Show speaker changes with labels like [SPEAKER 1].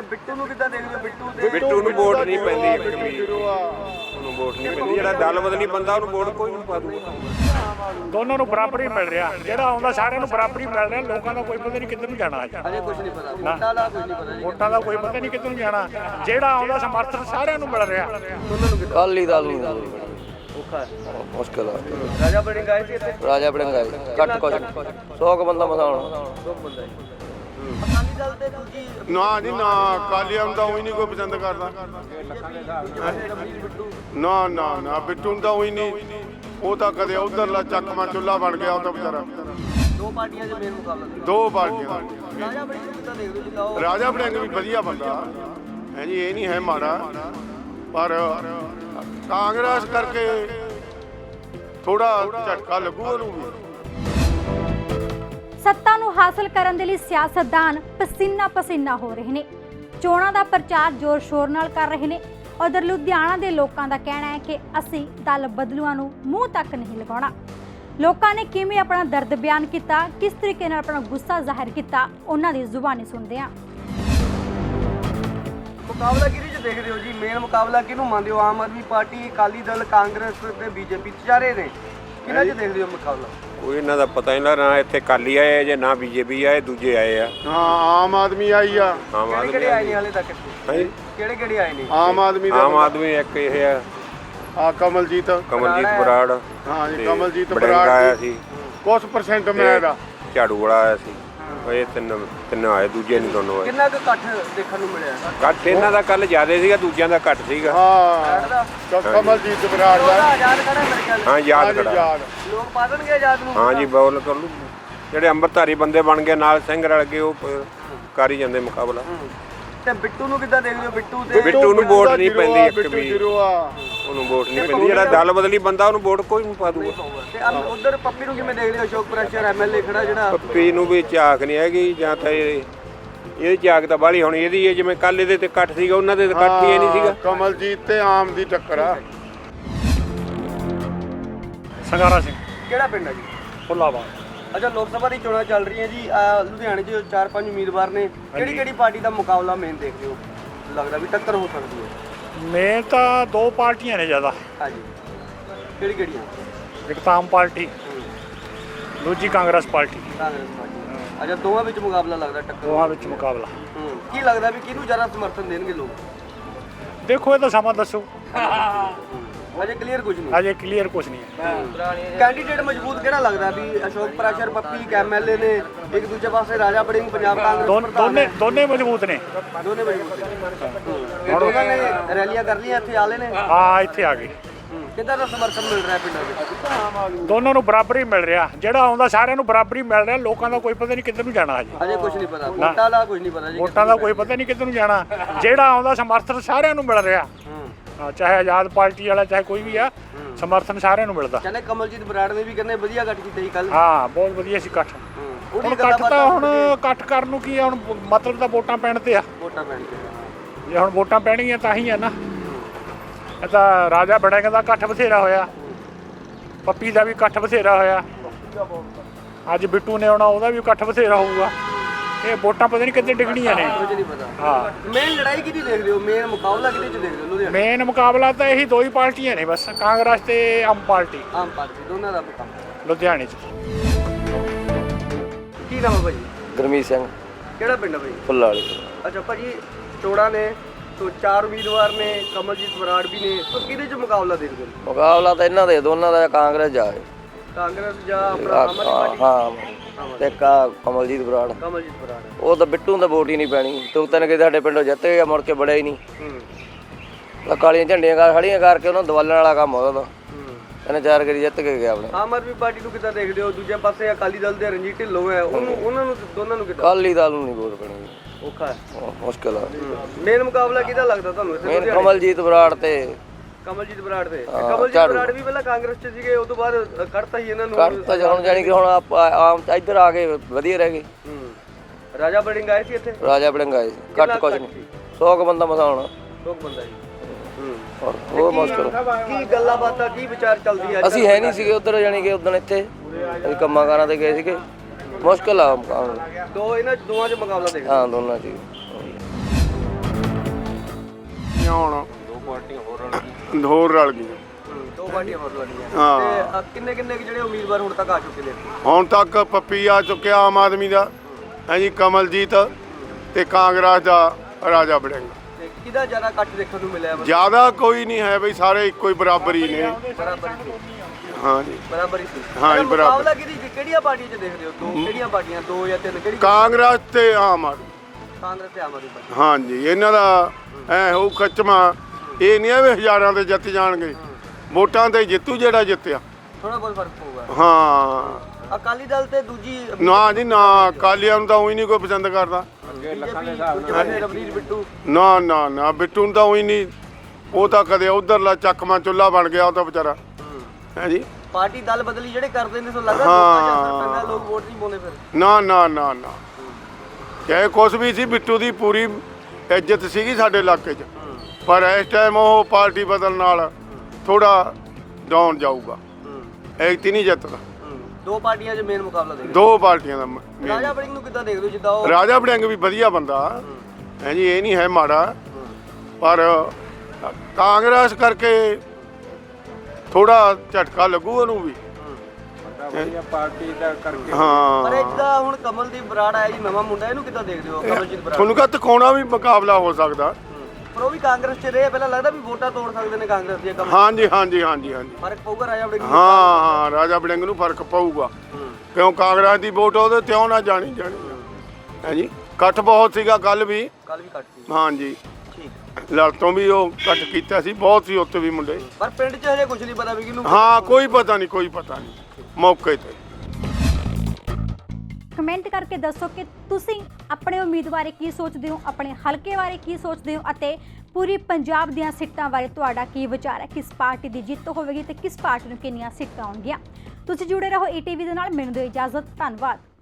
[SPEAKER 1] ਬਿੱਟੂ ਨੂੰ ਕਿੱਦਾਂ ਦੇਖਦੇ ਹੋ?
[SPEAKER 2] ਬਿੱਟੂ ਨੂੰ ਵੋਟ ਨਹੀਂ ਪੈਂਦੀ, ਉਹਨੂੰ ਵੋਟ ਨਹੀਂ ਪੈਂਦੀ। ਜਿਹੜਾ ਦਲ ਬਦਲੀ ਬੰਦਾ ਉਹਨੂੰ ਵੋਟ ਕੋਈ ਨਹੀਂ ਪਾ ਦੂਗਾ।
[SPEAKER 3] ਦੋਨਾਂ ਨੂੰ ਬਰਾਬਰ ਹੀ ਮਿਲ ਰਿਹਾ, ਜਿਹੜਾ ਆਉਂਦਾ ਸਾਰਿਆਂ ਨੂੰ ਬਰਾਬਰ ਹੀ ਮਿਲ ਰਿਹਾ। ਲੋਕਾਂ ਦਾ ਕੋਈ ਪਤਾ ਨਹੀਂ ਕਿੱਧਰ ਨੂੰ ਜਾਣਾ
[SPEAKER 1] ਅਜੇ ਕੁਝ ਨਹੀਂ ਪਤਾ, ਵੋਟਾਂ ਦਾ ਕੁਝ ਨਹੀਂ ਪਤਾ ਜੀ।
[SPEAKER 3] ਵੋਟਾਂ ਦਾ ਕੋਈ ਪਤਾ ਨਹੀਂ ਕਿੱਧਰ ਨੂੰ ਜਾਣਾ, ਜਿਹੜਾ ਆਉਂਦਾ ਸਮਰਥਨ ਸਾਰਿਆਂ ਨੂੰ ਮਿਲ ਰਿਹਾ।
[SPEAKER 1] ਦੋਨਾਂ ਨੂੰ ਕਿੱਦਾਂ
[SPEAKER 4] ਅਕਾਲੀ ਦਲ ਨੂੰ
[SPEAKER 1] ਔਖਾ ਹੈ?
[SPEAKER 4] ਮੁਸ਼ਕਿਲ ਆ।
[SPEAKER 1] ਰਾਜਾ ਬੜਿੰਗ ਆਏ ਸੀ ਇੱਥੇ?
[SPEAKER 4] ਰਾਜਾ ਬੜਿੰਗ ਆਏ ਘੱਟ ਕੁਛ 100 ਬੰਦਾ ਮਸਾਉਣਾ।
[SPEAKER 1] ਲੋਕ ਬੰਦਾ ਹੈ। ਅਕਾਲੀ ਦਲ ਤੇ ਦੂਜੀ
[SPEAKER 5] ਨਾ ਜੀ ਨਾ, ਕਾਲੀਆਂ ਨੂੰ ਤਾਂ ਉਹੀ ਨਹੀਂ ਕੋਈ ਪਸੰਦ ਕਰਦਾ। ਨਾ ਨਾ ਨਾ, ਬਿੱਟੂ ਨੂੰ ਤਾਂ ਉਹੀ ਨਹੀਂ, ਉਹ ਤਾਂ ਕਦੇ ਉਧਰਲਾ ਚੱਕਮਾ ਚੁੱਲਾ ਬਣ ਗਿਆ। ਉਹ ਤਾਂ ਵਿਚਾਰਾ
[SPEAKER 1] ਦੋ ਪਾਰਟੀਆਂ 'ਚ ਮੇਨ ਮੁਕਾਬਲਾ ਸੀ।
[SPEAKER 5] ਦੋ ਪਾਰਟੀਆਂ।
[SPEAKER 1] ਰਾਜਾ ਬੜਿੰਗ ਨੂੰ ਕਿੱਦਾਂ ਦੇਖਦੇ ਹੋ? ਜਿੱਦਾਂ ਉਹ
[SPEAKER 5] ਰਾਜਾ ਬੜਿੰਗ ਵੀ ਵਧੀਆ ਬੰਦਾ ਹੈ ਜੀ, ਇਹ ਨਹੀਂ ਹੈ ਮਾੜਾ, ਪਰ ਕਾਂਗਰਸ ਕਰਕੇ ਥੋੜਾ ਝਟਕਾ ਲੱਗੂ ਉਹਨੂੰ ਵੀ।
[SPEAKER 6] ਸੱਤਾ ਨੂੰ ਹਾਸਲ ਕਰਨ ਦੇ ਲਈ ਸਿਆਸਤਦਾਨ ਪਸੀਨਾ ਪਸੀਨਾ ਹੋ ਰਹੇ ਨੇ। ਚੋਣਾਂ ਦਾ ਪ੍ਰਚਾਰ ਜ਼ੋਰ ਸ਼ੋਰ ਨਾਲ ਕਰ ਰਹੇ ਨੇ। ਉਧਰ ਲੁਧਿਆਣਾ ਦੇ ਲੋਕਾਂ ਦਾ ਕਹਿਣਾ ਹੈ ਕਿ ਅਸੀਂ ਦਲ ਬਦਲੂਆਂ ਨੂੰ ਮੂੰਹ ਤੱਕ ਨਹੀਂ ਲਗਾਉਣਾ। ਲੋਕਾਂ ਨੇ ਕਿਵੇਂ ਆਪਣਾ ਦਰਦ ਬਿਆਨ ਕੀਤਾ, ਕਿਸ ਤਰੀਕੇ ਨਾਲ ਆਪਣਾ ਗੁੱਸਾ ਜ਼ਾਹਿਰ ਕੀਤਾ, ਉਹਨਾਂ ਦੀ ਜ਼ੁਬਾਨੀ ਸੁਣਦੇ ਹਾਂ।
[SPEAKER 1] ਮੁਕਾਬਲਾ ਕਿਹਦੇ 'ਚ ਦੇਖਦੇ ਹੋ ਜੀ? ਮੇਨ ਮੁਕਾਬਲਾ ਕਿਹਨੂੰ ਮੰਨਦੇ ਹੋ? ਆਮ ਆਦਮੀ ਪਾਰਟੀ, ਅਕਾਲੀ ਦਲ, ਕਾਂਗਰਸ ਤੇ ਬੀਜੇਪੀ ਚਾਰੇ ਨੇ, ਕਿਹਨਾਂ 'ਚ ਦੇਖਦੇ ਹੋ ਮੁਕਾਬਲਾ?
[SPEAKER 2] ਕੋਈ ਇਹਨਾਂ ਦਾ ਪਤਾ ਨਹੀਂ, ਨਾ ਇੱਥੇ ਅਕਾਲੀ ਆਏ ਜਾਂ ਨਾ ਬੀਜੇਪੀ ਆਏ, ਦੂਜੇ ਆਏ ਆ।
[SPEAKER 5] ਹਾਂ, ਆਮ ਆਦਮੀ ਆਈ ਆ।
[SPEAKER 2] ਆਮ ਆਦਮੀ
[SPEAKER 1] ਕਿਹੜੇ ਆਏ ਨੇ ਹਾਲੇ ਤੱਕ ਇੱਥੇ?
[SPEAKER 2] ਹਾਂਜੀ,
[SPEAKER 1] ਕਿਹੜੇ ਆਏ ਨੇ?
[SPEAKER 5] ਆਮ ਆਦਮੀ ਦਾ
[SPEAKER 2] ਆਮ ਆਦਮੀ ਇੱਕ ਇਹ ਆ
[SPEAKER 5] ਆ ਕਮਲਜੀਤ
[SPEAKER 2] ਬਰਾੜ।
[SPEAKER 5] ਹਾਂ ਜੀ,
[SPEAKER 2] ਤੇ
[SPEAKER 5] ਕਮਲਜੀਤ
[SPEAKER 2] ਬੜਿੰਗ
[SPEAKER 5] ਬਰਾੜ
[SPEAKER 2] ਆਇਆ ਸੀ,
[SPEAKER 5] ਕੁਛ ਪਰਸੈਂਟ ਮੈਂ ਦਾ
[SPEAKER 2] ਝਾੜੂ ਵਾਲਾ ਆਇਆ ਸੀ। ਇਹ ਤਿੰਨ ਆਏ, ਦੂਜੇ ਨਹੀਂ ਦੋਨੋਂ ਆਏ।
[SPEAKER 1] ਕਿੰਨਾ ਕੁ ਇਕੱਠ ਦੇਖਣ ਨੂੰ ਮਿਲਿਆ?
[SPEAKER 2] ਘੱਟ ਇਹਨਾਂ ਦਾ ਕੱਲ ਜ਼ਿਆਦਾ ਸੀਗਾ, ਦੂਜਿਆਂ ਦਾ ਘੱਟ ਸੀਗਾ।
[SPEAKER 5] ਹਾਂ, ਕਮਲਜੀਤ ਬਰਾੜ ਦਾ।
[SPEAKER 1] ਆਜ਼ਾਦ ਖੜਾ ਮੇਰੇ ਖਿਆਲ
[SPEAKER 2] ਹਾਂ, ਯਾਦ ਕਰਾ।
[SPEAKER 5] ਯਾਦ
[SPEAKER 1] ਲੋਕ ਪਾ ਦੇਣਗੇ ਆਜ਼ਾਦ ਨੂੰ।
[SPEAKER 2] ਹਾਂ ਜੀ, ਬੋਲ ਕਰ ਲੂ। ਜਿਹੜੇ ਅੰਮ੍ਰਿਤਧਾਰੀ ਬੰਦੇ ਬਣ ਗਏ ਨਾਲ ਸਿੰਘ ਰਲ ਕੇ, ਉਹ ਕਰ ਹੀ ਜਾਂਦੇ ਮੁਕਾਬਲਾ।
[SPEAKER 1] ਤੇ ਬਿੱਟੂ ਨੂੰ ਕਿੱਦਾਂ ਦੇਖਦੇ ਹੋ? ਬਿੱਟੂ
[SPEAKER 2] ਨੂੰ ਵੋਟ ਨਹੀਂ ਪੈਂਦੀ, ਇੱਕ ਵੀ
[SPEAKER 5] ਆ।
[SPEAKER 2] ਉਹਨੂੰ ਵੋਟ ਨਹੀਂ ਪੈਂਦੀ। ਜਿਹੜਾ ਦਲ ਬਦਲੀ ਬੰਦਾ ਉਹਨੂੰ ਵੋਟ ਕੋਈ ਨਹੀਂ ਪਾ ਦੂਗਾ।
[SPEAKER 1] ਤੇ ਉਧਰ ਪੱਪੀ ਨੂੰ ਕਿਵੇਂ ਦੇਖਦੇ ਹੋ? ਅਸ਼ੋਕ ਪ੍ਰੈਸ਼ਰ ਐਮਐਲਏ ਖੜਾ ਜਿਹੜਾ।
[SPEAKER 2] ਪੱਪੀ ਨੂੰ ਵੀ ਝਾਕ ਨਹੀਂ ਹੈਗੀ, ਜਾਂ ਤਾਂ ਇਹਦੀ ਝਾਕ ਤਾਂ ਬਾਹਲੀ ਹੋਣੀ ਇਹਦੀ ਹੈ। ਜਿਵੇਂ ਕੱਲ ਇਹਦੇ ਤੇ ਇਕੱਠ ਸੀਗਾ, ਉਹਨਾਂ ਦੇ ਇਕੱਠ ਹੀ ਨਹੀਂ ਸੀਗਾ।
[SPEAKER 5] ਕਮਲਜੀਤ ਤੇ ਆਮ ਦੀ ਟੱਕਰ ਆ।
[SPEAKER 3] ਸੰਗਾਰਾ ਸਿੰਘ
[SPEAKER 1] ਕਿਹੜਾ ਪਿੰਡ ਹੈ ਜੀ?
[SPEAKER 3] ਫੁੱਲਾਬਾਦ।
[SPEAKER 1] ਅੱਛਾ, ਲੋਕ ਸਭਾ ਦੀ ਚੋਣਾਂ ਚੱਲ ਰਹੀਆਂ ਜੀ। ਲੁਧਿਆਣੇ 'ਚ 4-5 ਉਮੀਦਵਾਰ ਨੇ। ਕਿਹੜੀ ਪਾਰਟੀ ਦਾ ਮੁਕਾਬਲਾ ਮੇਨ ਦੇਖਦੇ ਹੋ? ਲੱਗਦਾ ਵੀ ਟੱਕਰ ਹੋ ਸਕਦੀ ਹੈ।
[SPEAKER 3] ਮੇਨ ਤਾਂ ਦੋ ਪਾਰਟੀਆਂ ਨੇ ਜ਼ਿਆਦਾ।
[SPEAKER 1] ਹਾਂਜੀ, ਕਿਹੜੀਆਂ?
[SPEAKER 3] ਇੱਕ ਤਾਂ ਆਮ ਪਾਰਟੀ, ਦੂਜੀ ਕਾਂਗਰਸ ਪਾਰਟੀ।
[SPEAKER 1] ਕਾਂਗਰਸ ਪਾਰਟੀ। ਅੱਛਾ, ਦੋਵਾਂ ਵਿੱਚ ਮੁਕਾਬਲਾ ਲੱਗਦਾ, ਟੱਕਰ
[SPEAKER 3] ਦੋਹਾਂ ਵਿੱਚ ਮੁਕਾਬਲਾ।
[SPEAKER 1] ਕੀ ਲੱਗਦਾ ਵੀ ਕਿਹਨੂੰ ਜ਼ਿਆਦਾ ਸਮਰਥਨ ਦੇਣਗੇ ਲੋਕ?
[SPEAKER 3] ਦੇਖੋ, ਇਹ ਤਾਂ ਸਮਾਂ ਦੱਸੋ,
[SPEAKER 1] ਅਜੇ ਕਲੀਅਰ ਕੁਝ ਨਹੀਂ।
[SPEAKER 3] ਅਜੇ ਕਲੀਅਰ ਕੁਝ ਨਹੀਂ ਹੈ।
[SPEAKER 1] ਕੈਂਡੀਡੇਟ ਮਜ਼ਬੂਤ ਕਿਹੜਾ ਲੱਗਦਾ ਵੀ? ਅਸ਼ੋਕ ਪ੍ਰੈਸ਼ਰ, ਪੱਪੀ ਐਮਐਲਏ ਨੇ, ਇੱਕ ਦੂਜੇ ਪਾਸੇ ਰਾਜਾ ਬੜਿੰਗ ਪੰਜਾਬ ਕਾਂਗਰਸ
[SPEAKER 3] ਦੋਨੇ ਮਜ਼ਬੂਤ ਨੇ।
[SPEAKER 1] ਦੋਨੇ ਮਜ਼ਬੂਤ ਨੇ। ਉਹਨਾਂ ਨੇ ਰੈਲੀਆਂ ਕਰ ਲਈਆਂ, ਇੱਥੇ ਆਲੇ ਨੇ।
[SPEAKER 3] ਹਾਂ, ਇੱਥੇ ਆ ਗਏ।
[SPEAKER 1] ਕਿੱਦਾਂ ਦਾ ਸਮਰਥਨ ਮਿਲ ਰਿਹਾ ਪਿੰਡਾਂ ਵਿੱਚ?
[SPEAKER 3] ਦੋਨਾਂ ਨੂੰ ਬਰਾਬਰ ਹੀ ਮਿਲ ਰਿਹਾ, ਜਿਹੜਾ ਆਉਂਦਾ ਸਾਰਿਆਂ ਨੂੰ ਬਰਾਬਰ ਹੀ ਮਿਲ ਰਿਹਾ। ਲੋਕਾਂ ਦਾ ਕੋਈ ਪਤਾ ਨਹੀਂ ਕਿੱਧਰ ਨੂੰ ਜਾਣਾ।
[SPEAKER 1] ਅਜੇ ਕੁਝ ਨਹੀਂ ਪਤਾ, ਵੋਟਾਂ ਦਾ ਕੁਝ ਨਹੀਂ ਪਤਾ ਜੀ।
[SPEAKER 3] ਵੋਟਾਂ ਦਾ ਕੋਈ ਪਤਾ ਨਹੀਂ ਕਿੱਧਰ ਨੂੰ ਜਾਣਾ, ਜਿਹੜਾ ਆਉਂਦਾ ਸਮਰਥਨ ਸਾਰਿਆਂ ਨੂੰ ਮਿਲ ਰਿਹਾ। ਚਾਹੇ ਆਜ਼ਾਦ ਪਾਰਟੀ ਵਾਲਾ, ਚਾਹੇ ਕੋਈ ਵੀ ਆ, ਸਮਰਥਨ ਸਾਰਿਆਂ ਨੂੰ ਮਿਲਦਾ।
[SPEAKER 1] ਕਹਿੰਦੇ ਕਮਲਜੀਤ ਬਰਾੜ ਨੇ ਵੀ ਕਹਿੰਦੇ ਵਧੀਆ ਇਕੱਠ ਕੀਤਾ ਜੀ ਕੱਲ।
[SPEAKER 3] ਹਾਂ, ਬਹੁਤ ਵਧੀਆ ਸੀ ਇਕੱਠ। ਹੁਣ ਇਕੱਠ ਤਾਂ ਹੁਣ ਇਕੱਠ ਕਰਨ ਨੂੰ ਕੀ ਆ, ਹੁਣ ਮਤਲਬ ਤਾਂ ਵੋਟਾਂ ਪੈਣ ਤੇ ਆ।
[SPEAKER 1] ਵੋਟਾਂ ਪੈਣ ਤੇ
[SPEAKER 3] ਜੇ ਹੁਣ ਵੋਟਾਂ ਪੈਣਗੀਆਂ ਤਾਂ ਹੀ ਆ ਨਾ। ਇਹ ਤਾਂ ਰਾਜਾ ਬੜਿੰਗ ਦਾ ਇਕੱਠ ਬਥੇਰਾ ਹੋਇਆ, ਪੱਪੀ ਦਾ ਵੀ ਇਕੱਠ ਬਥੇਰਾ ਹੋਇਆ, ਅੱਜ ਬਿੱਟੂ ਨੇ ਆਉਣਾ, ਉਹਦਾ ਵੀ ਇਕੱਠ ਬਥੇਰਾ ਹੋਊਗਾ। ਇਹ ਵੋਟਾਂ ਪਤਾ ਨਹੀਂ ਕਿੱਥੇ ਡਿੱਗਣੀਆਂ ਨੇ।
[SPEAKER 1] ਕੁਝ ਨਹੀਂ ਪਤਾ।
[SPEAKER 3] ਹਾਂ,
[SPEAKER 1] ਮੇਨ ਲੜਾਈ ਕਿਹਦੀ ਦੇਖਦੇ ਹੋ? ਮੇਨ ਮੁਕਾਬਲਾ ਕਿਹਦੇ 'ਚ ਦੇਖਦੇ ਹੋ ਲੁਧਿਆਣੇ?
[SPEAKER 3] ਮੇਨ ਮੁਕਾਬਲਾ ਤਾਂ ਇਹੀ ਦੋ ਹੀ ਪਾਰਟੀਆਂ ਨੇ ਬਸ, ਕਾਂਗਰਸ ਤੇ ਆਮ ਪਾਰਟੀ
[SPEAKER 1] ਆਮ ਪਾਰਟੀ, ਦੋਨਾਂ ਦਾ ਮੁਕਾਬਲਾ
[SPEAKER 3] ਲੁਧਿਆਣੇ 'ਚ।
[SPEAKER 1] ਕੀ ਨਾਮ ਹੈ ਭਾਜੀ?
[SPEAKER 4] ਗੁਰਮੀਤ ਸਿੰਘ
[SPEAKER 1] ਕਿਹੜਾ ਪਿੰਡ ਹੈ ਭਾਜੀ?
[SPEAKER 4] ਫੁੱਲਾਲੀ।
[SPEAKER 1] ਅੱਛਾ ਭਾਜੀ, ਚੋਣਾਂ ਨੇ ਤੋ 4 ਉਮੀਦਵਾਰ ਨੇ, ਕਮਲਜੀਤ ਬਰਾੜ ਵੀ ਨੇ, ਤੋ ਕਿਹਦੇ 'ਚ ਮੁਕਾਬਲਾ ਦੇਖਦੇ ਹੋ?
[SPEAKER 4] ਮੁਕਾਬਲਾ ਤਾਂ ਇਹਨਾਂ ਦੇ ਦੋਨਾਂ ਦਾ, ਕਾਂਗਰਸ ਜਾਏ।
[SPEAKER 1] ਕਾਂਗਰਸ ਜਾਂ ਆਪਣਾ ਆਮ ਆਦਮੀ ਪਾਰਟੀ?
[SPEAKER 4] ਹਾਂ, ਤੇ ਕਮਲਜੀਤ ਬਰਾੜ।
[SPEAKER 1] ਕਮਲਜੀਤ ਬਰਾੜ।
[SPEAKER 4] ਉਹ ਤਾਂ ਬਿੱਟੂ ਦਾ ਵੋਟ ਹੀ ਨਹੀਂ ਪੈਣੀ। ਤੂੰ ਤੈਨੂੰ ਕਿ ਸਾਡੇ ਪਿੰਡੋਂ ਜਿੱਤ ਗਿਆ, ਮੁੜ ਕੇ ਬੜਿਆ ਹੀ ਨਹੀਂ। ਕਾਲੀਆਂ ਝੰਡੀਆਂ ਖੜੀਆਂ ਕਰਕੇ ਉਹਨਾਂ ਦਵਾਲਣ ਵਾਲਾ ਕੰਮ ਉਹਦਾ ਤਾਂ। ਇਹਨੇ 4 ਵਾਰੀ ਜਿੱਤ ਕੇ ਗਿਆ ਆਪਣੇ।
[SPEAKER 1] ਆਮ ਆਦਮੀ ਪਾਰਟੀ ਨੂੰ ਕਿੱਦਾਂ ਦੇਖਦੇ ਹੋ? ਦੂਜੇ ਪਾਸੇ ਅਕਾਲੀ ਦਲ ਦੇ ਰਣਜੀਤ ਢਿੱਲੋਂ ਹੈ, ਉਹਨਾਂ ਨੂੰ ਦੋਨਾਂ ਨੂੰ ਕਿੱਦਾਂ?
[SPEAKER 4] ਅਕਾਲੀ ਦਲ ਨੂੰ ਨਹੀਂ ਵੋਟ ਪੈਣੀ,
[SPEAKER 1] ਔਖਾ ਹੈ,
[SPEAKER 4] ਮੁਸ਼ਕਿਲ ਆ।
[SPEAKER 1] ਮੇਨ ਮੁਕਾਬਲਾ ਕਿਹਦਾ ਲੱਗਦਾ ਤੁਹਾਨੂੰ ਇੱਥੇ?
[SPEAKER 4] ਮੇਨ ਕਮਲਜੀਤ ਬਰਾੜ ਤੇ
[SPEAKER 1] ਕਮਲਜੀਤ ਬਰਾੜ ਦੇ। ਕਮਲਜੀਤ ਬਰਾੜ ਵੀ ਪਹਿਲਾਂ ਕਾਂਗਰਸ 'ਚ ਸੀਗੇ, ਉਸ ਤੋਂ ਬਾਅਦ ਕੱਢਤਾ ਹੀ ਇਹਨਾਂ ਨੂੰ।
[SPEAKER 4] ਕੱਢਤਾ ਹੁਣ, ਜਾਣੀ ਕਿ ਹੁਣ ਆਮ ਇੱਧਰ ਆ ਕੇ ਵਧੀਆ ਰਹਿ ਗਏ।
[SPEAKER 1] ਰਾਜਾ ਬੜਿੰਗ ਆਏ ਸੀ ਇੱਥੇ?
[SPEAKER 4] ਰਾਜਾ ਬੜਿੰਗ ਆਏ ਸੀ, ਘੱਟ ਕੁਛ ਨਹੀਂ, 100 ਬੰਦਾ ਮਸਾਉਣਾ।
[SPEAKER 1] ਲੋਕ ਬੰਦਾ ਜੀ।
[SPEAKER 4] ਉਹ ਮੁਸ਼ਕਿਲ।
[SPEAKER 1] ਕੀ ਗੱਲਾਂ ਬਾਤਾਂ, ਕੀ ਵਿਚਾਰ ਚੱਲਦੀ ਹੈ?
[SPEAKER 4] ਅਸੀਂ ਹੈ ਨਹੀਂ ਸੀਗੇ ਉੱਧਰ, ਜਾਣੀ ਕਿ ਉਦੋਂ ਇੱਥੇ ਅਸੀਂ ਕੰਮਾਂ ਕਾਰਾਂ ਤੇ ਗਏ ਸੀਗੇ। ਮੁਸ਼ਕਿਲ ਆ।
[SPEAKER 1] ਦੋ ਇਹਨਾਂ ਦੋਵਾਂ 'ਚ ਮੁਕਾਬਲਾ ਦੇਖਦੇ?
[SPEAKER 4] ਹਾਂ, ਦੋਨਾਂ 'ਚ।
[SPEAKER 5] ਪਾਰਟੀਆਂ ਹੁਣ
[SPEAKER 2] ਦੋ ਪਾਰਟੀਆਂ ਹੋਰ ਰਲ ਗਈਆਂ।
[SPEAKER 5] ਹੋਰ ਰਲ ਗਈਆਂ।
[SPEAKER 1] ਦੋ ਪਾਰਟੀਆਂ ਹੋਰ ਲੜੀਆਂ
[SPEAKER 5] ਹਾਂ।
[SPEAKER 1] ਤੇ ਕਿੰਨੇ ਕਿੰਨੇ ਜਿਹੜੇ ਉਮੀਦਵਾਰ ਹੁਣ ਤੱਕ ਆ ਚੁੱਕੇ ਨੇ?
[SPEAKER 5] ਹੁਣ ਤੱਕ ਪੱਪੀ ਆ ਚੁੱਕਿਆ ਆਮ ਆਦਮੀ ਦਾ, ਹਾਂਜੀ ਕਮਲਜੀਤ ਤੇ ਕਾਂਗਰਸ ਦਾ ਰਾਜਾ ਵੜਿੰਗ।
[SPEAKER 1] ਤੇ ਕਿਹਦਾ ਜ਼ਿਆਦਾ ਇਕੱਠ ਦੇਖਣ ਨੂੰ ਮਿਲਿਆ?
[SPEAKER 5] ਜ਼ਿਆਦਾ ਕੋਈ ਨਹੀਂ ਹੈ ਬਈ, ਸਾਰੇ ਇੱਕੋ ਹੀ ਬਰਾਬਰ ਹੀ ਨੇ।
[SPEAKER 1] ਬਰਾਬਰ ਹੀ ਸੀ।
[SPEAKER 5] ਹਾਂਜੀ
[SPEAKER 1] ਬਰਾਬਰ ਹੀ ਸੀ।
[SPEAKER 5] ਹਾਂ ਜੀ,
[SPEAKER 1] ਇਹਦਾ
[SPEAKER 5] ਬਰਾਬਰ।
[SPEAKER 1] ਮੁਕਾਬਲਾ ਕਿਹੜੀਆਂ ਪਾਰਟੀਆਂ 'ਚ ਦੇਖਦੇ ਹੋ? ਕਿਹੜੀਆਂ ਪਾਰਟੀਆਂ, ਦੋ ਜਾਂ ਤਿੰਨ? ਕਿਹੜੀ?
[SPEAKER 5] ਕਾਂਗਰਸ ਤੇ ਆਮ ਆਦਮੀ।
[SPEAKER 1] ਕਾਂਗਰਸ ਤੇ ਆਮ ਆਦਮੀ ਪਾਰਟੀ।
[SPEAKER 5] ਹਾਂਜੀ ਇਹਨਾਂ ਦਾ ਐ ਹੋਊ ਖਚਮਾ, ਇਹ ਨਹੀਂ ਆ ਵੀ ਹਜ਼ਾਰਾਂ ਦੇ ਜਿੱਤ ਜਾਣਗੇ, ਵੋਟਾਂ ਤੇ ਜਿੱਤੂ ਜਿਹੜਾ ਜਿੱਤਿਆ।
[SPEAKER 1] ਥੋੜਾ ਬਹੁਤ ਫਰਕ ਪਊਗਾ।
[SPEAKER 5] ਹਾਂ
[SPEAKER 1] ਅਕਾਲੀ ਦਲ ਤੇ ਦੂਜੀ
[SPEAKER 5] ਨਾ ਜੀ ਨਾ, ਕਾਲੀਆਂ ਨੂੰ ਤਾਂ ਉਹੀ ਨਹੀਂ ਕੋਈ ਪਸੰਦ ਕਰਦਾ।
[SPEAKER 1] BJP ਰਵਨੀਤ ਬਿੱਟੂ।
[SPEAKER 5] ਨਾ ਨਾ ਨਾ, ਬਿੱਟੂ ਨੂੰ ਤਾਂ ਉਹੀ ਨਹੀਂ, ਉਹ ਤਾਂ ਕਦੇ ਉਧਰਲਾ ਚੱਕਮਾ ਚੁੱਲਾ ਬਣ ਗਿਆ ਉਹ ਤਾਂ ਵਿਚਾਰਾ। ਹੈ ਜੀ
[SPEAKER 1] ਪਾਰਟੀ ਦਲ ਬਦਲੀ ਜਿਹੜੇ ਕਰਦੇ ਨੇ, ਸੋ ਲੱਗਦਾ
[SPEAKER 5] ਹਾਂ।
[SPEAKER 1] ਲੋਕਾਂ 'ਚ ਅਸਰ ਪੈਂਦਾ, ਲੋਕ ਵੋਟ ਨਹੀਂ ਪਾਉਂਦੇ ਫਿਰ।
[SPEAKER 5] ਨਾ ਨਾ ਨਾ ਨਾ, ਚਾਹੇ ਕੁਛ ਵੀ ਸੀ, ਬਿੱਟੂ ਦੀ ਪੂਰੀ ਇੱਜ਼ਤ ਸੀਗੀ ਸਾਡੇ ਇਲਾਕੇ 'ਚ, ਪਰ ਇਸ ਟਾਈਮ ਉਹ ਪਾਰਟੀ ਬਦਲਣ ਨਾਲ ਥੋੜਾ ਡਾਊਨ ਜਾਊਗਾ, ਐਕਤੀ ਨਹੀਂ ਜਿੱਤਦਾ।
[SPEAKER 1] ਦੋ ਪਾਰਟੀਆਂ 'ਚ ਮੇਨ ਮੁਕਾਬਲਾ ਦੇਖਦੇ
[SPEAKER 5] ਦੋ ਪਾਰਟੀਆਂ ਦਾ
[SPEAKER 1] ਰਾਜਾ ਵੜਿੰਗ ਨੂੰ ਕਿੱਦਾਂ ਦੇਖਦੇ ਹੋ? ਜਿੱਦਾਂ ਉਹ
[SPEAKER 5] ਰਾਜਾ ਵੜਿੰਗ ਵੀ ਵਧੀਆ ਬੰਦਾ ਹੈ ਜੀ, ਇਹ ਨਹੀਂ ਹੈ ਮਾੜਾ, ਪਰ ਕਾਂਗਰਸ ਕਰਕੇ ਥੋੜਾ ਝਟਕਾ ਲੱਗੂ ਉਹਨੂੰ ਵੀ।
[SPEAKER 2] ਵਧੀਆ ਪਾਰਟੀ ਦਾ ਕਰਕੇ।
[SPEAKER 1] ਪਰ
[SPEAKER 5] ਹਾਂ
[SPEAKER 1] ਜਿੱਦਾਂ ਹੁਣ ਕਮਲਦੀਪ ਬਰਾੜ ਆਇਆ ਜੀ, ਨਵਾਂ ਮੁੰਡਾ, ਇਹਨੂੰ ਕਿੱਦਾਂ ਦੇਖਦੇ ਹੋ? ਕਮਲਜੀਤ ਬਰਾੜ।
[SPEAKER 5] ਤੁਹਾਨੂੰ ਕਹ ਤਕਾਉਣਾ ਵੀ ਮੁਕਾਬਲਾ ਹੋ ਸਕਦਾ।
[SPEAKER 1] ਪਰ ਉਹ ਵੀ ਕਾਂਗਰਸ 'ਚ ਰਹੇ, ਪਹਿਲਾਂ ਲੱਗਦਾ ਵੀ ਵੋਟਾਂ ਤੋੜ ਸਕਦੇ ਨੇ ਕਾਂਗਰਸ ਦੀਆਂ।
[SPEAKER 5] ਹਾਂਜੀ ਹਾਂਜੀ ਹਾਂਜੀ ਹਾਂਜੀ,
[SPEAKER 1] ਫਰਕ ਪਊਗਾ ਰਾਜਾ ਵੜਿੰਗ ਨੂੰ?
[SPEAKER 5] ਹਾਂ ਹਾਂ, ਰਾਜਾ ਵੜਿੰਗ ਨੂੰ ਫਰਕ ਪਊਗਾ, ਕਿਉਂ ਕਾਂਗਰਸ ਦੀ ਵੋਟ ਉਹਦੇ ਤਿਉਂ ਨਾ ਜਾਣੀ ਹੈ ਜੀ। ਇਕੱਠ ਬਹੁਤ ਸੀਗਾ ਕੱਲ ਵੀ।
[SPEAKER 1] ਕੱਲ ਵੀ ਕੱਟ ਸੀ।
[SPEAKER 5] ਹਾਂਜੀ,
[SPEAKER 1] ਠੀਕ।
[SPEAKER 5] ਲੜ ਤੋਂ ਵੀ ਉਹ ਇਕੱਠ ਕੀਤਾ ਸੀ, ਬਹੁਤ ਸੀ ਉੱਥੇ ਵੀ ਮੁੰਡੇ।
[SPEAKER 1] ਪਰ ਪਿੰਡ 'ਚ ਹਜੇ ਕੁਝ ਨਹੀਂ ਪਤਾ ਵੀ ਕਿਹਨੂੰ।
[SPEAKER 5] ਹਾਂ ਕੋਈ ਪਤਾ ਨਹੀਂ, ਕੋਈ ਪਤਾ ਨਹੀਂ ਮੌਕੇ ਤੇ।
[SPEAKER 6] ਕਮੈਂਟ ਕਰਕੇ ਦੱਸੋ ਕਿ ਤੁਸੀਂ ਆਪਣੇ ਉਮੀਦਵਾਰ ਬਾਰੇ ਕੀ ਸੋਚਦੇ ਹੋ, ਆਪਣੇ ਹਲਕੇ ਬਾਰੇ ਕੀ ਸੋਚਦੇ ਹੋ ਅਤੇ ਪੂਰੀ ਪੰਜਾਬ ਦੀਆਂ ਸੀਟਾਂ ਬਾਰੇ ਤੁਹਾਡਾ ਕੀ ਵਿਚਾਰ ਹੈ? ਕਿਸ ਪਾਰਟੀ ਦੀ ਜਿੱਤ ਹੋਵੇਗੀ ਤੇ ਕਿਸ ਪਾਰਟੀ ਨੂੰ ਕਿੰਨੀਆਂ ਸੀਟਾਂ ਆਉਣਗੀਆਂ? ਤੁਸੀਂ ਜੁੜੇ ਰਹੋ ETV ਦੇ ਨਾਲ। ਮੈਨੂੰ ਦਿਓ ਇਜਾਜ਼ਤ। ਧੰਨਵਾਦ।